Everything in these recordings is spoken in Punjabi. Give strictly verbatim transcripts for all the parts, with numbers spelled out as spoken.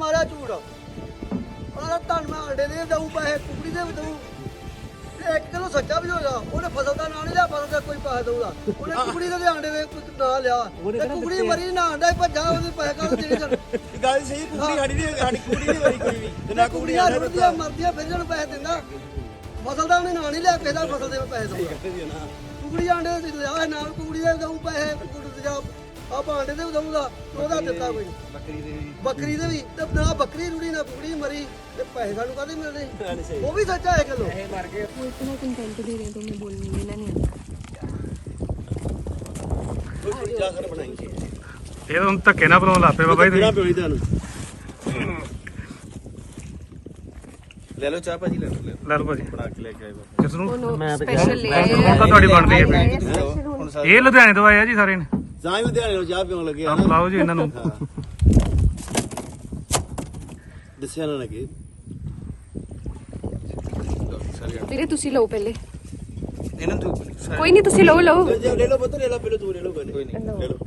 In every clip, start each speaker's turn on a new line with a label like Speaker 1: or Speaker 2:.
Speaker 1: ਮਾਰਿਆ ਝੂਠ ਆਹ ਧੰਨ ਮੈਂ ਅੰਡੇ ਦੇ ਦਊ ਪੈਸੇ ਕੁਕੜੀ ਦੇ ਵੀ ਦਊ ਤੇ ਇੱਕ ਕਿਲੋ ਸੱਚਾ ਵੀ ਹੋਗਾ ਉਹਨੇ ਫਸਲ ਦਾ ਨਾਂ ਨਹੀਂ ਲਿਆ ਫਸਲ ਦਾ ਕੋਈ ਪੈਸੇ ਦਊਗਾ ਉਹਨੇ ਕੁਕੜੀ ਦੇ ਆਂਡੇ ਦੇ ਕੋਈ ਨਾਂ ਲਿਆ ਤੇ ਕੁਕੜੀ ਮਰੀ ਨਾ ਆਂਡਾ ਹੀ ਭੱਜਾ ਉਹਦੇ ਪੈਸੇ ਕਾਹਦੇ ਦੇਣੇ ਸਨ
Speaker 2: ਗੱਲ ਸਹੀ ਕੁਕੜੀ ਸਾਡੀ ਨਹੀਂ ਸਾਡੀ ਕੁਕੜੀ ਨਹੀਂ ਮਰੀ ਕੋਈ ਵੀ ਤੇ ਨਾ ਕੁਕੜੀ
Speaker 1: ਕੁਕੜੀਆਂ ਰੁੜਦੀਆਂ ਮਰਦੀਆਂ ਫਿਰ ਇਹਨੂੰ ਪੈਸੇ ਦਿੰਦਾ ਫਸਲ ਦਾ ਉਹਨੇ ਨਾਂ ਨਹੀਂ ਲਿਆ ਕਿਸੇ ਦਾ ਫਸਲ ਦੇ ਪੈਸੇ ਦਊਗਾ ਕੁਕੜੀ ਆਂਡੇ ਦੇ ਲਿਆ ਨਾਲ ਕੁਕੜੀ ਦੇ ਦਊ ਪੈਸੇ ਕੁਕੜੀ ਜਾ ਆਪਾਂ ਆਂਡੇ ਦੇ ਵੀ ਦਊਗਾ ਉਹਦਾ ਦਿੱਤਾ ਕੋਈ
Speaker 2: ਬੱਕਰੀ ਦੇ ਵੀ
Speaker 1: ਬੱਕਰੀ ਦੇ ਵੀ ਤੇ ਨਾ ਬੱਕਰੀ ਰੁੜੀ ਨਾ ਕੁਕੜੀ ਮਰੀ ਤੇ ਪੈਸੇ ਸਾਨੂੰ ਕਾਹਦੇ ਮਿਲਦੇ ਉਹ ਵੀ ਸੱਚਾ ਹੈ ਕਿਲੋ
Speaker 2: ਇਹ ਮਰ ਗਏ
Speaker 3: वो इतना कंटेंट दे रहे हैं तो मैं बोलने मिला नहीं
Speaker 2: ਕੋਈ ਚਾਖਰ ਬਣਾਈ
Speaker 4: ਇਹ ਤਾਂ ਹੁਣ ਧੱਕੇ ਨਾਲ ਬਣਾਉਣ ਲੱਗ ਪਏ ਬਾਬਾ ਜੀ
Speaker 2: ਬਿਨਾ ਪਿਓਈ ਤੁਹਾਨੂੰ ਲੈ ਲਓ ਚਾਹ ਭਾਜੀ ਲੈ ਲਓ
Speaker 4: ਲੈ ਲਓ ਭਾਜੀ
Speaker 2: ਬਣਾ ਕੇ ਲੈ ਕੇ ਆਏ ਬਾਬਾ
Speaker 4: ਕਿਸ ਨੂੰ
Speaker 3: वो स्पेशल ले आए
Speaker 4: ਹੁਣ ਤਾਂ ਤੁਹਾਡੀ ਬਣਦੀ ਹੈ ਫਿਰ।
Speaker 2: ਹੁਣ ਸਾਰੇ
Speaker 4: ਇਹ ਲੁਧਿਆਣੇ ਤੋਂ ਆਏ ਆ ਜੀ ਸਾਰੇ ਨੇ
Speaker 2: ਜਾਂ ਹੀ ਲੁਧਿਆਣੇ ਨੂੰ ਚਾਹ ਪੀਉਣ ਲੱਗੇ ਆ
Speaker 4: ਆਪ
Speaker 2: ਨਾ
Speaker 4: ਲਾਓ ਜੀ ਇਹਨਾਂ ਨੂੰ
Speaker 2: ਦੱਸਿਆ ਨਾ ਲੱਗੇ
Speaker 3: ਵੀਰੇ ਤੁਸੀਂ ਲਓ ਪਹਿਲੇ
Speaker 2: ਇਹਨਾਂ ਤੋਂ
Speaker 3: ਕੋਈ ਨਹੀਂ ਤੁਸੀਂ ਲਓ ਲਓ
Speaker 2: ਲੈ ਲਓ ਪੁੱਤ ਲੈ ਲਓ ਪਹਿਲੇ ਤੂੰ ਲੈ ਲਓ ਕੋਈ ਨਹੀਂ ਲੈ ਲਓ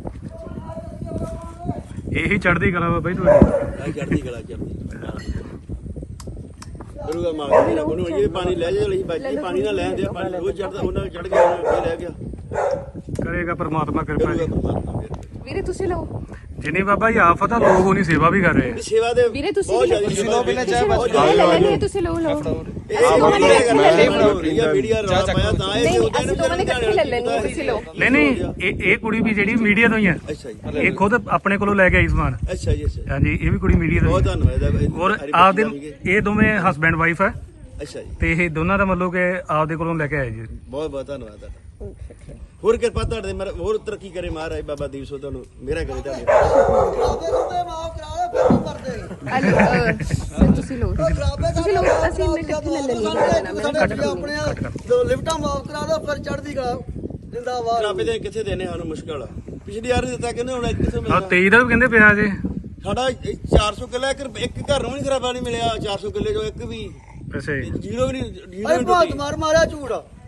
Speaker 4: ਇਹੀ ਚੜ੍ਹਦੀ ਕਲਾ ਬਾਬਾ ਜੀ ਤੁਹਾਡੀ
Speaker 2: ਆ ਚੜਦੀ ਗਲਾ ਚੜਦੀ ਕਰੂਗਾ ਮਾਰ ਕੇ ਉਹਨੂੰ ਇਹ ਪਾਣੀ ਲੈ ਜਾ ਲਈ ਬਾਜੀ ਪਾਣੀ ਨਾ ਲੈਣ ਦੇ ਪਾਣੀ ਰੋਜ਼ ਚੜਦਾ ਉਹਨਾਂ ਚੜ ਗਿਆ ਉਹ ਲੈ ਗਿਆ
Speaker 4: ਕਰੇਗਾ ਪਰਮਾਤਮਾ ਕਿਰਪਾ
Speaker 2: ਕਰੂਗਾ
Speaker 4: ਜੀ
Speaker 2: ਪਰਮਾਤਮਾ ਫਿਰ
Speaker 3: ਵੀਰੇ ਤੁਸੀਂ ਲਓ
Speaker 4: ਜਿੰਨੀ ਬਾਬਾ ਜੀ ਆਫਤ ਆ ਲੋਕ ਉਹਨੀ ਸੇਵਾ ਵੀ ਕਰ ਰਹੇ ਆ
Speaker 2: ਸੇਵਾ ਦੇ
Speaker 3: ਵੀਰੇ ਤੁਸੀਂ
Speaker 2: ਬਹੁਤ
Speaker 3: ਵੀ ਲਓ।
Speaker 2: ਜ਼ਿਆਦਾ ਸੇਵਾ ਪਹਿਲਾਂ ਚਾਹ
Speaker 3: ਲੈ ਲੈ ਲੈ ਤੁਸੀਂ ਲਓ ਲਓ
Speaker 2: ਮੀਡੀਆ ਮੀਡੀਆ ਰੌਲਾ ਪਾਇਆ ਤਾਂ ਇਹ
Speaker 3: ਨਹੀਂ
Speaker 2: ਉਹਦੇ
Speaker 3: ਅਸੀਂ ਦੋਵਾਂ ਨੇ ਇਕੱਠੇ ਲੈ ਲੈਣੀ ਤੁਸੀਂ ਲਓ
Speaker 4: ਨਹੀਂ ਨਹੀਂ ਇਹ ਇਹ ਕੁੜੀ ਵੀ ਜਿਹੜੀ ਮੀਡੀਆ ਤੋਂ ਹੀ ਆ
Speaker 2: ਅੱਛਾ ਜੀ
Speaker 4: ਇਹ ਖੁਦ ਆਪਣੇ ਕੋਲੋਂ ਲੈ ਕੇ ਆਈ ਸਮਾਨ
Speaker 2: ਅੱਛਾ ਜੀ ਅੱਛਾ
Speaker 4: ਹਾਂਜੀ ਇਹ ਵੀ ਕੁੜੀ ਮੀਡੀਆ ਤੋਂ
Speaker 2: ਬਹੁਤ
Speaker 4: ਹੀ ਆ।
Speaker 2: ਧੰਨਵਾਦ ਇਹਦਾ
Speaker 4: ਔਰ ਆਪਦੇ ਇਹ ਦੋਵੇਂ ਹਸਬੈਂਡ ਵਾਈਫ ਹੈ
Speaker 2: ਅੱਛਾ ਜੀ
Speaker 4: ਤੇ ਇਹ ਦੋਨਾਂ ਦਾ ਮਤਲਬ ਕਿ ਆਪਦੇ ਕੋਲੋਂ ਲੈ ਕੇ ਆਏ ਜੀ
Speaker 2: ਬਹੁਤ ਬਹੁਤ ਧੰਨਵਾਦ ਤੁਹਾਡਾ ਹੋਰ ਕਿਰਪਾ ਤੁਹਾਡੇ ਮਰ ਹੋਰ ਤਰੱਕੀ ਕਰੇ ਮਹਾਰਾਜ ਬਾਬਾ ਦੀਪ ਸੋ ਤੁਹਾਨੂੰ ਮੇਰਾ ਕਰੇ ਤੁਹਾਡੇ
Speaker 1: ਖਰਾਬੇ ਸੁਤੇ ਮਾਫ ਕਰਾ ਦੇ ਫਿਰ ਕੀ ਕਰਦੇ
Speaker 3: ਹਲੋ ਤੁਸੀਂ ਲਓ
Speaker 1: ਖਰਾਬੇ
Speaker 3: ਤੁਸੀਂ ਲਓ ਅਸੀਂ ਮੈਂ ਇਕੱਠੇ ਲੈ ਲੈਣੀ
Speaker 1: ਆਪਣੇ ਦੋ ਲਿਫਟਾਂ ਮਾਫ ਕਰਾ ਦੋ ਫਿਰ ਚੜਦੀ ਗਾ ਜਿੰਦਾਬਾਦ
Speaker 2: ਰਾਬੇ ਦੇ ਕਿੱਥੇ ਦੇਣੇ ਸਾਨੂੰ ਮੁਸ਼ਕਲ ਆ ਪਿਛਲੀ ਵਾਰ ਦਿੱਤਾ ਕਹਿੰਦੇ ਹੁਣ ਕਿੱਥੇ
Speaker 4: ਆ
Speaker 2: ਮਿਲਣਾ
Speaker 4: ਤੇਈ ਦਾ ਵੀ ਕਹਿੰਦੇ ਪਿਆ ਜੇ
Speaker 2: ਸਾਡਾ ਇਹ ਚਾਰ ਸੌ ਕਿੱਲਾ ਇੱਕ ਇੱਕ ਘਰ ਨੂੰ ਨਹੀਂ ਖਰਾਬਾ ਨਹੀਂ ਮਿਲਿਆ ਚਾਰ ਸੌ ਕਿੱਲੇ ਚੋਂ ਇੱਕ ਵੀ
Speaker 4: ਅੱਛਾ ਜੀ
Speaker 2: ਜੀਰੋ ਵੀ ਨਹੀਂ ਜੀਰੋ
Speaker 1: ਅਰੇ
Speaker 2: ਵੀ
Speaker 1: ਭਾਤ
Speaker 2: ਟੁੱਟੀ
Speaker 1: ਮਾਰ ਮਾਰਿਆ ਝੂਠ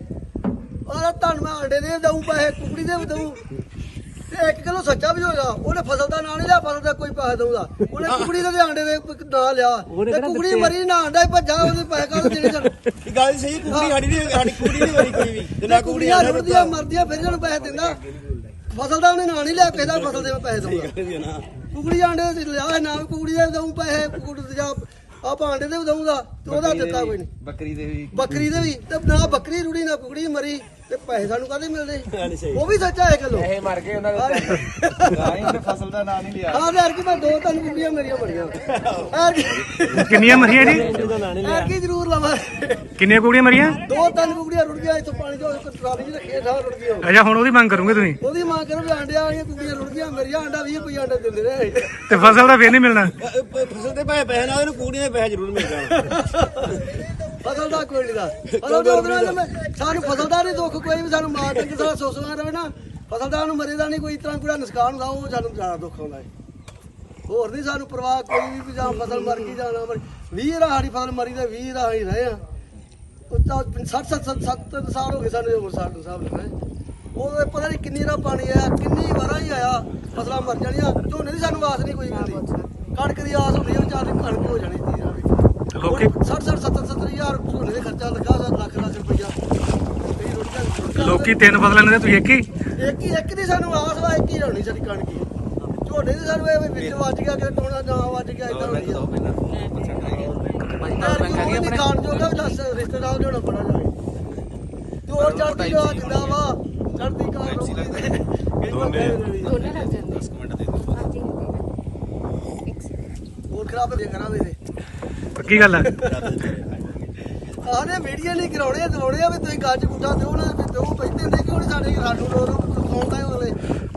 Speaker 1: ਆਹ ਧੰਨ ਮੈਂ ਅੰਡੇ ਦੇ ਦਊ ਪੈਸੇ ਕੁਕੜੀ ਦੇ ਵੀ ਦਊ ਤੇ ਇੱਕ ਕਿਲੋ ਸੱਚਾ ਵੀ ਹੋਗਾ ਉਹਨੇ ਫਸਲ ਦਾ ਨਾਂ ਨਹੀਂ ਲਿਆ ਫਸਲ ਦਾ ਕੋਈ ਪੈਸੇ ਦਊਗਾ ਉਹਨੇ ਕੁਕੜੀ ਦੇ ਆਂਡੇ ਦੇ ਕੋਈ ਨਾਂ ਲਿਆ ਤੇ ਕੁਕੜੀ ਮਰੀ ਨਾ ਆਂਡਾ ਹੀ ਭੱਜਾ ਉਹਦੇ ਪੈਸੇ ਕਾਹਦੇ ਦੇਣੇ ਸਨ
Speaker 2: ਇਹ ਗੱਲ ਸਹੀ ਕੁਕੜੀ ਸਾਡੀ ਨਹੀਂ ਸਾਡੀ ਕੁਕੜੀ ਨਹੀਂ ਮਰੀ ਕੋਈ ਵੀ ਤੇ ਨਾ ਕੁਕੜੀ
Speaker 1: ਕੁਕੜੀਆਂ ਰੁੜਦੀਆਂ ਮਰਦੀਆਂ ਫਿਰ ਇਹਨੂੰ ਪੈਸੇ ਦਿੰਦਾ ਫਸਲ ਦਾ ਉਹਨੇ ਨਾਂ ਨਹੀਂ ਲਿਆ ਕਿਸੇ ਦਾ ਫਸਲ ਦੇ ਪੈਸੇ ਦਊਗਾ
Speaker 2: ਨਾ
Speaker 1: ਕੁਕੜੀ ਆਂਡੇ ਦੇ ਲਿਆ ਨਾ ਕੁਕੜੀ ਦੇ ਦਊ ਪੈਸੇ ਕੁਕੜੀ ਜਾ ਆਪਾਂ ਆਂਡੇ ਦੇ ਵੀ ਦਊਗਾ ਤੇ ਉਹਦਾ ਦਿੱਤਾ ਕੋਈ ਨਹੀਂ
Speaker 2: ਬੱਕਰੀ ਦੇ ਵੀ
Speaker 1: ਬੱਕਰੀ ਦੇ ਵੀ ਤੇ ਨਾ ਬੱਕਰੀ ਰੁੜੀ ਨਾ ਕੁਕੜੀ ਮਰੀ ਤੇ ਪੈਸੇ ਸਾਨੂੰ ਕਾਹਦੇ ਮਿਲਦੇ
Speaker 2: ਨਹੀਂ ਸਹੀ
Speaker 1: ਉਹ ਵੀ ਸੱਚਾ ਹੈ ਕਿਲੋ
Speaker 2: ਇਹ ਮਰ ਗਏ ਉਹਨਾਂ ਦੇ ਤਾਂ ਹੀ ਉਹਨੇ ਫਸਲ ਦਾ ਨਾਂ ਨਹੀਂ ਲਿਆ
Speaker 1: ਹਾਂ ਯਾਰ ਕਿ ਮੈਂ ਦੋ ਤਿੰਨ ਕੁਕੜੀਆਂ ਮੇਰੀਆਂ ਬੜੀਆਂ ਯਾਰ
Speaker 4: ਕਿੰਨੀਆਂ ਮਰੀਆਂ ਜੀ
Speaker 1: ਯਾਰ ਕੀ ਜ਼ਰੂਰ ਲਵਾਂ
Speaker 4: ਕਿੰਨੀਆਂ ਕੁੜੀਆਂ ਮਰੀਆਂ
Speaker 1: ਦੋ ਤਿੰਨ ਕੁਕੜੀਆਂ ਰੁੜ ਗਈਆਂ ਇੱਥੋਂ ਪਾਣੀ ਚੋਂ ਇੱਕ ਟਰਾਲੀ ਚ ਰੱਖੀਆਂ ਸਾਰ ਰੁੜ ਗਈਆਂ
Speaker 4: ਅੱਛਾ ਹੁਣ ਉਹਦੀ ਮੰਗ ਕਰੋਗੇ ਤੁਸੀਂ
Speaker 1: ਉਹਦੀ ਮਾਂ ਕਰੋ ਵੀ ਆਂਡਿਆਂ ਵਾਲੀਆਂ ਕੁਕੜੀਆਂ ਰੁੜ ਗਈਆਂ ਮੇਰੀਆਂ ਆਂਡਾ ਵੀਹ ਰੁਪਏ ਆਂਡਾ ਦਿੰਦੇ ਰਹੇ
Speaker 4: ਤੇ ਫਸਲ ਦਾ ਫੇਰ ਨਹੀਂ ਮਿਲਣਾ
Speaker 2: ਫਸਲ ਦੇ ਪੈਸੇ ਪੈਸੇ ਨਾਲ ਇਹਨੂੰ ਕੁਕੜੀਆਂ ਦੇ ਪੈਸੇ ਜ਼ਰੂਰ ਮਿਲ ਜਾਣ
Speaker 1: ਫਸਲ ਦਾ ਕੋਈ ਨਹੀਂ ਦਾ ਫਸਲ ਦਾ ਉਹਦੇ ਨਾਲ ਮੈਂ- ਸਾਨੂੰ ਫਸਲ ਦਾ ਨਹੀਂ ਦੁੱਖ ਕੋਈ ਵੀ ਸਾਨੂੰ ਮਾਰ ਡੰਗ ਸਾਰਾ ਸੋਸਣਾ ਰਵੇ ਨਾ ਫਸਲ ਦਾ ਨੂੰ ਮਰੇ ਦਾ ਨਹੀਂ ਕੋਈ ਇਸ ਤਰ੍ਹਾਂ ਕੋਈ ਨੁਕਸਾਨ ਹੁੰਦਾ ਉਹ ਸਾਨੂੰ ਜ਼ਿਆਦਾ ਦੁੱਖ ਆਉਂਦਾ ਹੈ ਹੋਰ ਨਹੀਂ ਸਾਨੂੰ ਪਰਵਾਹ ਕੋਈ ਵੀ ਵੀ ਜਾਂ ਫਸਲ ਮਰ ਗਈ ਜਾਂ ਨਾ ਮਰ ਵੀਹ ਰਾ ਸਾਡੀ ਫਸਲ ਮਰੀ ਤੇ ਵੀਹ ਰਾ ਹੀ ਰਹੇ ਆ ਉਹ ਤਾਂ ਸੱਠ ਸੱਤ ਸੱਤ ਸਾਲ ਹੋ ਗਏ ਸਾਨੂੰ ਉਮਰ ਸਾਡ ਸਾਹਿਬ ਲਿਖਣਾ ਉਹ ਪਤਾ ਨਹੀਂ ਕਿੰਨੀ ਰਾ ਪਾਣੀ ਆਇਆ ਕਿੰਨੀ ਵਾਰਾਂ ਹੀ ਆਇਆ ਫਸਲਾਂ ਮਰ ਜਾਣੀਆਂ ਝੋਨੇ ਦੀ ਸਾਨੂੰ ਆਸ ਨਹੀਂ ਕੋਈ ਮਿਲਦੀ ਕਣਕ ਦੀ ਆਸ ਹੁੰਦੀ ਉਹ ਚਾਰ ਕਣਕ ਹੋ ਜਾਣੀ ਸੀ
Speaker 4: ਲੋਕੀ
Speaker 1: ਸੱਠ ਸੱਠ ਸੱਤਰ ਸੱਤਰ ਹਜ਼ਾਰ ਝੋਨੇ ਦੇ ਖਰਚਾ ਲੱਗਾ ਲੱਖ ਲੱਖ ਰੁਪਈਆ ਕਈ ਰੋਟੀਆਂ
Speaker 4: ਲੋਕੀ ਤਿੰਨ ਫਸਲਾਂ ਨੇ ਤੁਸੀਂ ਇੱਕ ਹੀ
Speaker 1: ਇੱਕ ਹੀ ਇੱਕ ਦੀ ਸਾਨੂੰ ਆਸ ਵਾ ਇੱਕ ਹੀ ਹੋਣੀ ਸਾਡੀ ਕਣਕ ਹੀ ਝੋਨੇ ਦੀ ਸਾਨੂੰ ਇਹ ਵੀ ਵਿੱਚ ਵੱਜ ਗਿਆ ਕਿ ਟੋਣਾ ਨਾ ਵੱਜ ਗਿਆ ਇਦਾਂ ਹੋਣੀ ਆ ਕੋਈ ਨਹੀਂ ਖਾਣ ਜੋਗਾ ਵੀ ਦੱਸ ਰਿਸ਼ਤੇਦਾਰ ਲਿਆਉਣਾ ਬੜਾ ਜਾਏ ਤੇ ਹੋਰ ਚੜਦੀ ਗਾ ਜਿੰਦਾ ਵਾ ਚੜਦੀ ਕਾਰ ਦੋਨੇ
Speaker 3: ਦੋਨੇ ਲੱਗ ਜਾਂਦੇ
Speaker 2: ਦਸ ਮਿੰਟ ਦੇ ਦਿਓ
Speaker 3: ਹਾਂਜੀ ਇੱਕ ਸੈਕਿੰਡ
Speaker 1: ਹੋਰ ਖਰਾਬ ਦੇ ਕਰਾਂਗੇ ਤੇ
Speaker 4: ਪੱਕੀ ਗੱਲ ਹੈ
Speaker 1: ਆਹਨੇ ਮੀਡੀਆ ਨਹੀਂ ਕਰਾਉਣੇ ਦਵਾਉਣੇ ਆ ਵੀ ਤੁਸੀਂ ਗੱਜ ਗੁੱਟਾ ਦਿਓ ਨਾ ਵੀ ਦਿਓ ਪੈਂਦੇ ਹੁੰਦੇ ਕਿਉਂ ਨਹੀਂ ਸਾਡੇ ਰਾਡੂ ਲੋਰ ਸੌਂਦਾ ਅਗਲੇ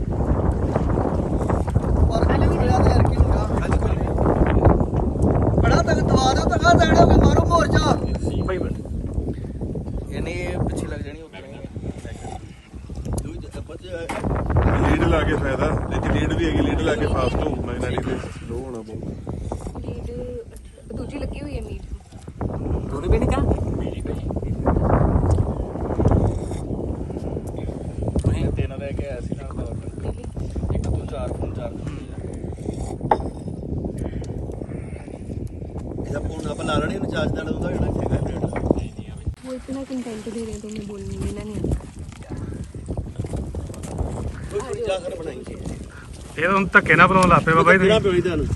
Speaker 1: ਪਰ ਕਿਹੜਾ ਤੇ ਯਾਰ ਕੀ ਹੁੰਦਾ ਬੜਾ ਤੱਕ ਦਵਾ ਦਿਓ ਤੱਕ ਦੇਣੋ ਕਿ ਮਾਰੋ ਮੋਰਚਾ
Speaker 4: ਭਾਈ ਬੈਠ
Speaker 2: ਯਾਨੀ ਪਿੱਛੇ ਲੱਗ ਜਾਣੀ ਉਹ ਕਰਾਂਗੇ
Speaker 5: ਲੀਡ ਲਾ ਕੇ ਫਾਇਦਾ ਜੇ ਲੀਡ ਵੀ ਹੈਗੀ ਲੀਡ ਲਾ ਕੇ ਫਾਸਟ ਹੋਊਗਾ ਇਹਨਾਂ ਦੀ ਤੇ ਸਲੋ ਹੋਣਾ ਪਊਗਾ
Speaker 3: ਲੀਡ ਦੂਜੀ ਲੱਗੀ ਹੋਈ ਹੈ ਮੀਟ
Speaker 2: ਦੋਨੇ ਵੀ ਨਹੀਂ ਕਾ ਤੁਸੀਂ ਤਿੰਨ ਲੈ ਕੇ ਆਇਆ ਸੀ ਨਾਲ ਦਾ ਇੱਕ ਤੋਂ ਚਾਰ ਫੋਨ ਚਾਰ ਇਹਦਾ ਫੋਨ ਆਪਾਂ ਲਾ ਲੈਣੇ ਇਹਨੂੰ ਚਾਰਜ ਨਾਲ ਉਹਦਾ ਜਿਹੜਾ ਹੈਗਾ ਰੇਟ
Speaker 3: वो इतना कंटेंट दे रहे हैं तो मैं बोलने देना नहीं आता
Speaker 2: ਕੋਈ ਕੁੜੀ ਚਾਹ ਕਰ ਬਣਾਏਗੀ
Speaker 4: ਇਹ ਤਾਂ ਹੁਣ ਧੱਕੇ ਨਾ ਬਣਾਉਣ ਲੱਗ ਪਏ ਬਾਬਾ ਜੀ
Speaker 2: ਬਿਨਾ
Speaker 4: ਤੁਸੀਂ।
Speaker 2: ਪਿਓਈ ਤੁਹਾਨੂੰ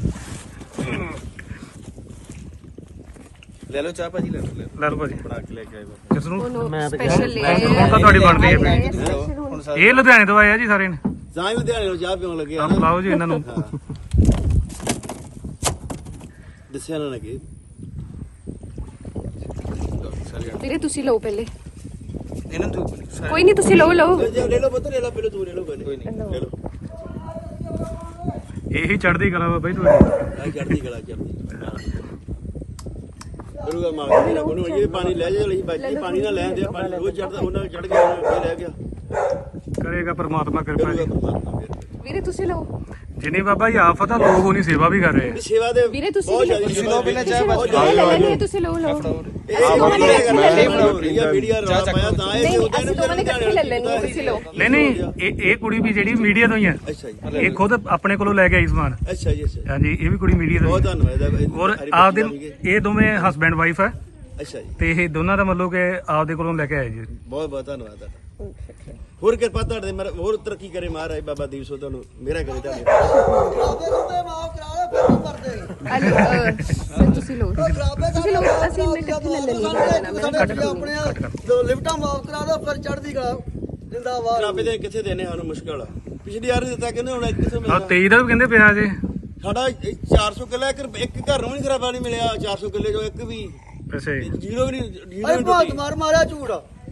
Speaker 2: ਲੈ ਲਓ ਚਾਹ ਭਾਜੀ ਲੈ ਲਓ ਲੈ ਲਓ।
Speaker 4: ਲੈ ਲਓ ਭਾਜੀ
Speaker 2: ਬਣਾ ਕੇ ਲੈ ਕੇ ਆਏ ਬਾਬਾ
Speaker 4: ਕਿਸ ਨੂੰ
Speaker 3: स्पेशल ले आए
Speaker 4: ਹੁਣ ਤਾਂ ਤੁਹਾਡੀ ਬਣਦੀ ਹੈ ਫਿਰ।
Speaker 3: स्पेशल
Speaker 4: ਇਹ ਲੁਧਿਆਣੇ ਤੋਂ ਆਏ ਆ ਜੀ ਸਾਰੇ ਨੇ
Speaker 2: ਜਾਂ ਹੀ ਲੁਧਿਆਣੇ ਨੂੰ ਚਾਹ ਪੀਉਣ ਲੱਗੇ ਆ
Speaker 4: ਆਪ
Speaker 2: ਨਾ
Speaker 4: ਲਾਓ ਜੀ ਇਹਨਾਂ ਨੂੰ
Speaker 2: ਹਾਂ। ਦੱਸਿਆ ਨਾ ਲੱਗੇ
Speaker 3: ਵੀਰੇ ਤੁਸੀਂ ਲਓ ਪਹਿਲੇ
Speaker 2: ਇਹਨਾਂ ਤੋਂ
Speaker 3: ਕੋਈ ਨਹੀਂ ਤੁਸੀਂ ਲਓ ਲਓ
Speaker 2: ਲੈ ਲਓ ਪੁੱਤ ਲੈ ਲਓ ਪਹਿਲੇ ਤੂੰ ਲੈ ਲਓ ਕੋਈ ਨਹੀਂ ਲੈ ਲਓ
Speaker 4: ਇਹੀ ਚੜ੍ਹਦੀ ਕਲਾ ਬਾਬਾ ਜੀ ਤੁਹਾਡੀ
Speaker 2: ਆ ਚੜਦੀ ਗਲਾ ਚੜਦੀ ਕਰੂਗਾ ਮਾਰ ਕੇ ਉਹਨੂੰ ਇਹ ਪਾਣੀ ਲੈ ਜਾ ਲਈ ਬਾਜੀ ਪਾਣੀ ਨਾ ਲੈਣ ਦੇ ਪਾਣੀ ਰੋਜ਼ ਚੜਦਾ ਉਹਨਾਂ ਚੜ ਗਿਆ ਉਹ ਰਹਿ ਗਿਆ
Speaker 4: ਕਰੇਗਾ ਪਰਮਾਤਮਾ ਕਿਰਪਾ
Speaker 2: ਕਰੂਗਾ
Speaker 4: ਜੀ
Speaker 2: ਪਰਮਾਤਮਾ ਫਿਰ
Speaker 3: ਵੀਰੇ ਤੁਸੀਂ ਲਓ
Speaker 4: ਜਿੰਨੀ ਬਾਬਾ ਜੀ ਆਫਤ ਆ ਲੋਕ ਉਹਨੀ ਸੇਵਾ ਵੀ ਕਰ ਰਹੇ ਆ
Speaker 2: ਇਹ ਸੇਵਾ ਦੇ
Speaker 3: ਵੀਰੇ ਤੁਸੀਂ
Speaker 2: ਬਹੁਤ
Speaker 3: ਵੀ ਲਓ।
Speaker 2: ਜ਼ਿਆਦਾ ਸੇਵਾ ਪਹਿਲਾਂ ਚਾਹ
Speaker 3: ਲੈ ਲੈਣੇ ਤੁਸੀਂ ਲਓ ਲਓ
Speaker 2: ਇਹ ਵੀਡੀਓ ਕਰਨਾ ਵੀਡੀਓ ਰੌਲਾ ਪਾਇਆ ਤਾਂ ਇਹ
Speaker 3: ਨਹੀਂ
Speaker 2: ਉਹਦੇ
Speaker 3: ਅਸੀਂ ਦੋਵਾਂ ਨੇ ਇਕੱਠੇ ਲੈ ਲੈਣੀ ਤੁਸੀਂ ਲਓ
Speaker 4: ਨਹੀਂ ਨਹੀਂ ਇਹ ਇਹ ਕੁੜੀ ਵੀ ਜਿਹੜੀ ਮੀਡੀਆ ਤੋਂ ਹੀ ਆ
Speaker 2: ਅੱਛਾ ਜੀ
Speaker 4: ਇਹ ਖੁਦ ਆਪਣੇ ਕੋਲੋਂ ਲੈ ਕੇ ਆਈ ਸਮਾਨ
Speaker 2: ਅੱਛਾ ਜੀ ਅੱਛਾ
Speaker 4: ਹਾਂਜੀ ਇਹ ਵੀ ਕੁੜੀ ਮੀਡੀਆ ਤੋਂ
Speaker 2: ਬਹੁਤ
Speaker 4: ਹੀ
Speaker 2: ਧੰਨਵਾਦ ਇਹਦਾ
Speaker 4: ਔਰ ਆਪਦੇ ਇਹ ਦੋਵੇਂ ਹਸਬੈਂਡ ਵਾਈਫ ਹੈ
Speaker 2: ਅੱਛਾ ਜੀ
Speaker 4: ਤੇ ਇਹ ਦੋਨਾਂ ਦਾ ਮਤਲਬ ਕਿ ਆਪਦੇ ਕੋਲੋਂ ਲੈ ਕੇ ਆਏ ਜੀ
Speaker 2: ਬਹੁਤ ਬਹੁਤ ਧੰਨਵਾਦ ਤੁਹਾਡਾ ਹੋਰ ਕਿਰਪਾ ਤੁਹਾਡੇ ਮਰ ਹੋਰ ਤਰੱਕੀ ਕਰੇ ਮਹਾਰਾਜ ਬਾਬਾ ਦੀਪ ਸੋ ਤੁਹਾਨੂੰ ਮੇਰਾ ਕਰੇ ਤੁਹਾਡੇ
Speaker 1: ਖਰਾਬੇ ਸੁਣਦੇ ਮਾਫ ਕਰਾ ਲੈ ਫਿਰ ਕੀ ਕਰਦੇ
Speaker 3: ਹਲੋ ਤੁਸੀਂ ਲਓ
Speaker 1: ਖਰਾਬੇ
Speaker 3: ਤੁਸੀਂ ਲਓ ਅਸੀਂ ਮੈਂ ਇਕੱਠੇ ਲੈ ਲੈਣੀ
Speaker 1: ਸਾਡੇ ਆਪਣੇ ਦੋ ਲਿਫਟਾਂ ਮਾਫ ਕਰਾ ਦੋ ਫਿਰ ਚੜਦੀ ਕਲਾ ਜਿੰਦਾਬਾਦ
Speaker 2: ਰਾਬੇ ਦੇ ਕਿੱਥੇ ਦੇਣੇ ਸਾਨੂੰ ਮੁਸ਼ਕਲ ਆ ਪਿਛਲੀ ਵਾਰ ਵੀ ਦਿੱਤਾ ਕਹਿੰਦੇ ਹੁਣ ਕਿੱਥੇ
Speaker 4: ਆ
Speaker 2: ਮਿਲਣਾ
Speaker 4: ਤੇਈ ਦਾ ਵੀ ਕਹਿੰਦੇ ਪਿਆ ਜੇ
Speaker 2: ਸਾਡਾ ਇਹ ਚਾਰ ਸੌ ਕਿੱਲਾ ਇੱਕ ਇੱਕ ਘਰ ਨੂੰ ਨਹੀਂ ਖਰਾਬਾ ਨਹੀਂ ਮਿਲਿਆ ਚਾਰ ਸੌ ਕਿੱਲੇ ਚੋਂ ਇੱਕ ਵੀ
Speaker 4: ਅੱਛਾ ਜੀ
Speaker 2: ਜੀਰੋ ਵੀ ਨਹੀਂ ਜੀਰੋ
Speaker 1: ਅਰੇ
Speaker 2: ਵੀ
Speaker 1: ਬਾਤ
Speaker 2: ਟੁੱਟੀ
Speaker 1: ਮਾਰ ਮਾਰਿਆ ਝੂਠ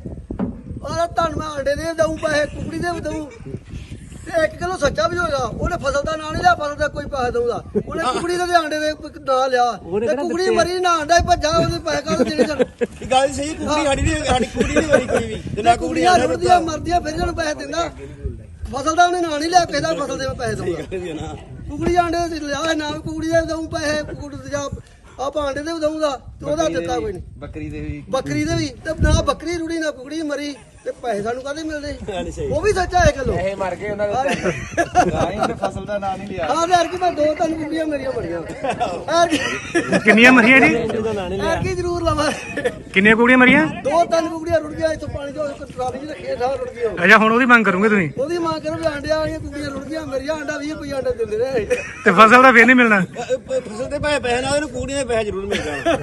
Speaker 1: ਉਹਦਾ ਧਨ ਮੈਂ ਅੰਡੇ ਦੇ ਦਊਂ ਪੈਸੇ ਕੁਕੜੀ ਦੇ ਵੀ ਦਊਂ ਤੇ ਇੱਕ ਕਿਲੋ ਸੱਚਾ ਵੀ ਹੋਗਾ ਉਹਨੇ ਫਸਲ ਦਾ ਨਾਂ ਨਹੀਂ ਲਿਆ ਫਸਲ ਦਾ ਕੋਈ ਪੈਸੇ ਦਊਗਾ ਉਹਨੇ ਕੁਕੜੀ ਦੇ ਅੰਡੇ ਦੇ ਨਾਂ ਲਿਆ ਤੇ ਕੁਕੜੀ ਮਰੀ ਨਾ ਅੰਡਾ ਹੀ ਭੱਜਾ ਉਹਦੇ ਪੈਸੇ ਕਾਹਦੇ ਦੇਣੇ ਸਨ
Speaker 2: ਇਹ ਗੱਲ ਸਹੀ ਕੁੜੀ ਸਾਡੀ ਨਹੀਂ ਸਾਡੀ ਕੁੜੀ ਨਹੀਂ ਮਰੀ ਕੋਈ ਵੀ ਤੇ ਨਾ ਕੁੜੀ
Speaker 1: ਕੁਕੜੀਆਂ ਰੁੜਦੀਆਂ ਮਰਦੀਆਂ ਫਿਰ ਇਹਨੂੰ ਪੈਸੇ ਦਿੰਦਾ ਫਸਲ ਦਾ ਉਹਨੇ ਨਾਂ ਨਹੀਂ ਲਿਆ ਕਿਸੇ ਦਾ ਫਸਲ ਦੇ ਮੈਂ ਪੈਸੇ ਦਊਗਾ
Speaker 2: ਨਾ
Speaker 1: ਕੁਕੜੀ ਆਂਡੇ ਦੇ ਲਿਆ ਨਾ ਕੁਕੜੀ ਦੇ ਦਊਂ ਪੈਸੇ ਕੁਕੜੀ ਦੇ ਜਾ ਆਪਾਂ ਆਂਡੇ ਦੇ ਵੀ ਦਊਂਗਾ ਤੇ ਉਹਦਾ ਦਿੱਤਾ ਕੋਈ ਨਹੀਂ
Speaker 6: ਬੱਕਰੀ ਦੇ ਵੀ
Speaker 1: ਬੱਕਰੀ ਦੇ ਵੀ ਤੇ ਨਾ ਬੱਕਰੀ ਰੁੜੀ ਨਾ ਕੁਕੜੀ ਮਰੀ ਤੇ ਪੈਸੇ ਸਾਨੂੰ ਕਾਹਦੇ ਮਿਲਦੇ
Speaker 2: ਨਹੀਂ ਸਹੀ
Speaker 1: ਉਹ ਵੀ ਸੱਚਾ ਹੈ ਕਿਲੋ
Speaker 6: ਇਹ ਮਰ ਗਏ ਉਹਨਾਂ ਦੇ ਗਾਂ ਉਹਨੇ ਫਸਲ ਦਾ ਨਾਂ ਨਹੀਂ ਲਿਆ
Speaker 1: ਹਾਂ ਯਾਰ ਕਿ ਮੈਂ ਦੋ ਤਿੰਨ ਕੁਕੜੀਆਂ ਮੇਰੀਆਂ ਬੜੀਆਂ ਯਾਰ
Speaker 4: ਕਿੰਨੀਆਂ ਮਰੀਆਂ ਜੀ
Speaker 1: ਯਾਰ ਕੀ ਜ਼ਰੂਰ ਲਵਾਂ
Speaker 4: ਕਿੰਨੀਆਂ ਕੁੜੀਆਂ ਮਰੀਆਂ
Speaker 1: ਦੋ ਤਿੰਨ ਕੁਕੜੀਆਂ ਰੁੜ ਗਿਆ ਇੱਥੋਂ ਪਾਣੀ ਚੋਂ ਇੱਕ ਟਰਾਲੀ 'ਚ ਰੱਖੀਆਂ ਸਾਰ ਰੁੜ ਗਈਆਂ
Speaker 4: ਅੱਛਾ ਹੁਣ ਉਹਦੀ ਮੰਗ ਕਰੋਗੇ ਤੁਸੀਂ
Speaker 1: ਉਹਦੀ ਮਾਂ ਕਰੋ ਵੀ ਆਂਡਿਆਂ ਵਾਲੀਆਂ ਕੁਕੜੀਆਂ ਰੁੜ ਗਈਆਂ ਮੇਰੀਆਂ ਆਂਡਾ ਵੀਹ ਰੁਪਏ ਆਂਡਾ ਦਿੰਦੇ ਰਹੇ
Speaker 4: ਤੇ ਫਸਲ ਦਾ ਫੇਰ ਨਹੀਂ ਮਿਲਣਾ
Speaker 2: ਫਸਲ ਦੇ ਪੈਸੇ ਪੈਸੇ ਨਾਲ ਇਹਨੂੰ ਕੁੜੀ ਦੇ ਪੈਸੇ ਜ਼ਰੂਰ ਮਿਲ ਜਾਣ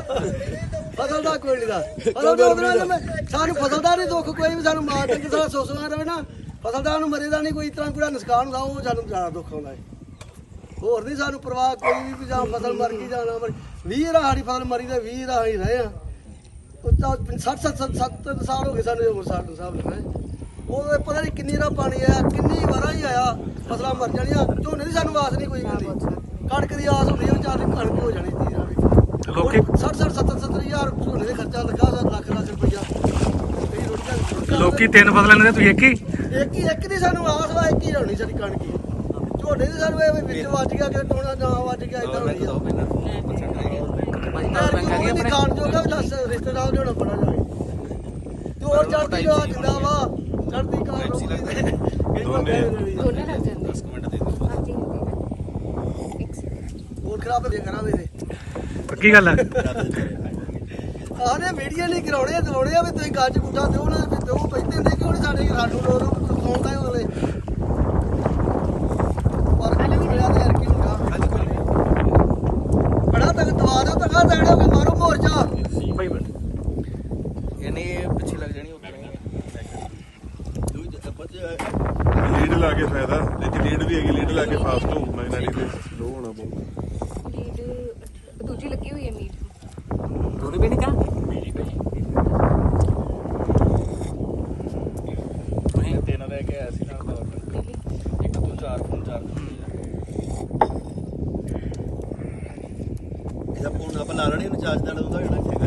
Speaker 1: ਫਸਲ ਦਾ ਕੋਈ ਨਹੀਂ ਦਾ ਫਸਲ ਦਾ ਉਹਦੇ ਨਾਲ ਮੈਂ- ਸਾਨੂੰ ਫਸਲ ਦਾ ਨਹੀਂ ਦੁੱਖ ਕੋਈ ਵੀ ਸਾਨੂੰ ਮਾਰ ਡੰਗਰ ਸਾਰਾ ਸੋਸਣਾ ਰਵੇ ਨਾ ਫਸਲਦਾਰ ਨੂੰ ਮਰੇ ਦਾ ਨਹੀਂ ਕੋਈ ਇਸ ਤਰ੍ਹਾਂ ਕੋਈ ਨੁਕਸਾਨ ਹੁੰਦਾ ਉਹ ਸਾਨੂੰ ਜ਼ਿਆਦਾ ਦੁੱਖ ਆਉਂਦਾ ਹੈ ਹੋਰ ਨਹੀਂ ਸਾਨੂੰ ਪਰਵਾਹ ਕੋਈ ਵੀ ਵੀ ਜਾਂ ਫਸਲ ਮਰ ਗਈ ਜਾਂ ਨਾ ਮਰ ਵੀਹ ਰਾ ਸਾਡੀ ਫਸਲ ਮਰੀ ਤੇ ਵੀਹ ਰਾ ਹੀ ਰਹੇ ਆ ਉਹ ਤਾਂ ਸੱਠ ਸੱਤ ਸੱਤ ਸਾਲ ਹੋ ਗਏ ਸਾਨੂੰ ਉਮਰ ਸਾਡ ਸਾਹਿਬ ਲਿਖਣਾ ਉਹ ਪਤਾ ਨਹੀਂ ਕਿੰਨੀ ਰਾ ਪਾਣੀ ਆਇਆ ਕਿੰਨੀ ਵਾਰਾਂ ਹੀ ਆਇਆ ਫਸਲਾਂ ਮਰ ਜਾਣੀਆਂ ਝੋਨੇ ਦੀ ਸਾਨੂੰ ਆਸ ਨਹੀਂ ਕੋਈ ਮਿਲਦੀ ਕਣਕ ਦੀ ਆਸ ਹੁੰਦੀ ਉਹ ਚਾਰ ਕਣਕ ਹੋ ਜਾਣੀ ਸੀ
Speaker 4: ਲੋਕੀ
Speaker 1: ਸੱਠ ਸੱਠ ਸੱਤਰ ਸੱਤਰ ਹਜ਼ਾਰ ਝੋਨੇ ਦੇ ਖਰਚਾ ਲੱਗਾ ਲੱਖ ਲੱਖ ਰੁਪਈਆ ਕਈ ਰੋਟੀਆਂ
Speaker 4: ਲੋਕੀ ਤਿੰਨ ਫਸਲਾਂ ਨੇ ਤੁਸੀਂ ਇੱਕ ਹੀ
Speaker 1: ਇੱਕ ਹੀ ਇੱਕ ਦੀ ਸਾਨੂੰ ਆਸ ਵਾ ਇੱਕ ਹੀ ਹੋਣੀ ਸਾਡੀ ਕਣਕ ਹੀ ਝੋਨੇ ਦੀ ਸਾਨੂੰ ਇਹ ਵੀ ਵਿੱਚ ਵੱਜ ਗਿਆ ਕਿ ਟੋਣਾ ਨਾ ਵੱਜ ਗਿਆ ਇਦਾਂ ਹੋਣੀ ਆ ਯਾਰ ਕੋਈ ਖਾਣ ਜੋਗਾ ਵੀ ਦੱਸ ਰਿਸ਼ਤੇਦਾਰ ਲਿਆਉਣਾ ਬੜਾ ਜਾਏ ਤੇ ਹੋਰ ਚੜਦੀ ਗਾ ਜਿੰਦਾ ਵਾ ਚੜਦੀ ਕਾਰ
Speaker 5: ਦੋਨੇ।
Speaker 3: ਦੋਨੇ ਲੱਗ ਜਾਂਦੇ ਦਸ ਮਿੰਟ ਦੇ ਦਿਓ ਹਾਂਜੀ ਇੱਕ ਸੈਕਿੰਡ
Speaker 1: ਹੋਰ ਖਰਾਬ ਦੇ ਕਰਾਂਗੇ ਤੇ
Speaker 4: ਪੱਕੀ ਗੱਲ ਹੈ
Speaker 1: ਆਹਨੇ ਮੀਡੀਆ ਨਹੀਂ ਕਰਾਉਣੇ ਦਵਾਉਣੇ ਆ ਵੀ ਤੁਸੀਂ ਗੱਜ ਗੁੱਟਾ ਦਿਓ ਨਾ ਵੀ ਦਿਓ ਪੈਂਦੇ ਹੁੰਦੇ ਕਿਉਂ ਨਹੀਂ ਸਾਡੇ ਰਾਡੂ ਲੋਰ ਸੌਂਦਾ ਅਗਲੇ ਪਰ ਕਿਹੜਾ ਤੇ ਯਾਰ ਕੀ ਹੁੰਦਾ ਬੜਾ ਤੱਕ ਦਵਾ ਦਿਓ ਤੱਕ ਦੇਣੋ ਕਿ ਮਾਰੋ ਮੋਰਚਾ
Speaker 4: ਭਾਈ ਬੈਠ
Speaker 6: ਯਾਨੀ ਇਹ ਪਿੱਛੇ ਲੱਗ ਜਾਣੀ ਉਹ ਕਰਾਂਗੇ
Speaker 5: ਲੀਡ ਲਾ ਕੇ ਫਾਇਦਾ ਜੇ ਲੀਡ ਵੀ ਹੈਗੀ ਲੀਡ ਲਾ ਕੇ ਫਾਸਟ ਹੋ ਮੈਗਨੈਟਿਕ ਤੇ ਸਲੋ ਹੋਣਾ ਬਹੁਤ
Speaker 3: ਲੀਡ ਦੂਜੀ ਲੱਗੀ ਹੋਈ ਹੈ ਮੀਟ
Speaker 6: ਦੋਨੇ ਵੀ ਨਹੀਂ ਕਾ ਤੁਸੀਂ ਤਿੰਨ ਲੈ ਕੇ ਆਇਆ ਸੀ ਨਾਲ ਦਾ ਇੱਕ ਤੋਂ ਚਾਰ ਫੋਨ ਚਾਰ
Speaker 2: ਇਹਦਾ ਫੋਨ ਆਪਾਂ ਲਾ ਲੈਣੇ ਇਹਨੂੰ ਚਾਰਜ ਨਾਲ ਉਹਦਾ ਜਿਹੜਾ